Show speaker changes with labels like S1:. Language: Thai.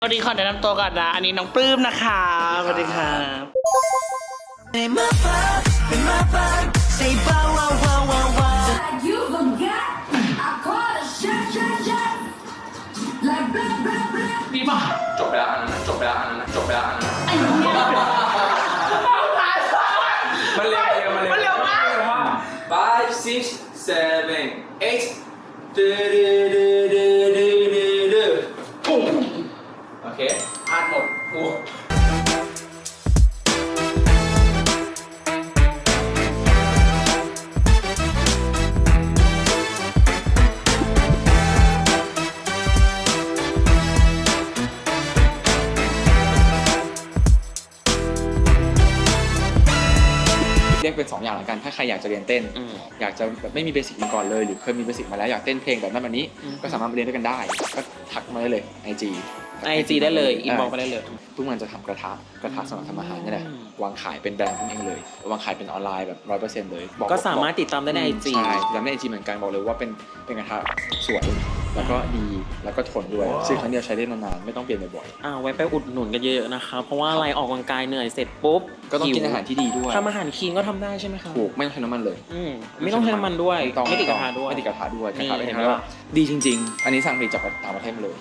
S1: สวัสดีขอแนะนำตัวก่อนนะอันนี้น้องปลื้มนะคะสวัสดีครับ
S2: You forgot I call a shot, shot, shot. Like blah, blah, blah.
S1: ดีป่ะ
S3: จบไปแล้วอันนั้นจบไปแล้วอันนั้นจบไปแล้วอันนั้น
S2: ไอ้เนี่ย
S3: มันเร็วมาก 5 6 7 8ปุ้งโอเคพลาดหมดโอ้
S4: เรียกเป็น2อย่างละกันถ้าใครอยากจะเรียนเต้น อยากจะแบบไม่มีเบสิกมาก่อนเลยหรือเคยมีเบสิกมาแล้วอยากเต้นเพลงแบบนั้นแบบนี้ก็สามารถมาเรียนด้วยกันได้ก็ทักมาได้เลย IG
S1: ได้เลยอินบ็อกซ์มาได้เลย
S4: เพิ่งมันจะทำกระทะสำหรับทำอาหารนี่แหละวางขายเป็นแบรนด์เพิ่งเองเลยวางขายเป็นออนไลน์แบบ 100% เลยบอก
S1: ก็สามารถติดตามได้ใน IG
S4: ใช่ติดตามใน IG เหมือนกันบอกเลยว่าเป็นกระทะสวยแล้วก็ดีแล้วก็ทนด้วยซื้อครั้งเดียวใช้ได้นานๆไม่ต้องเปลี่ยนบ่อย
S1: ไว้ไปอุดหนุนกันเยอะๆนะคะเพราะว่าอะไรออกกำลังกายเหนื่อยเสร็จปุ๊บ
S4: ๆก็ต้องกินอาหารที่ดีด้วย
S1: ทำอาหารคลีนก็ทำได้ใช่ไหมคะ
S4: ถูกไม่ต้องใช้น้ำมันเลย
S1: ไม่ต้องใช้น้ำมันด้วย
S4: ต้อง
S1: ไม่ติดกระทะด้วย
S4: ไม่ติดกระทะด้วยกระ
S1: นี่
S4: ทะเป็น
S1: เห็น
S4: ไง
S1: ไหม
S4: ว่าดีจริง ๆ อันนี้สั่งผลิตจากต่างประเทศมาเลย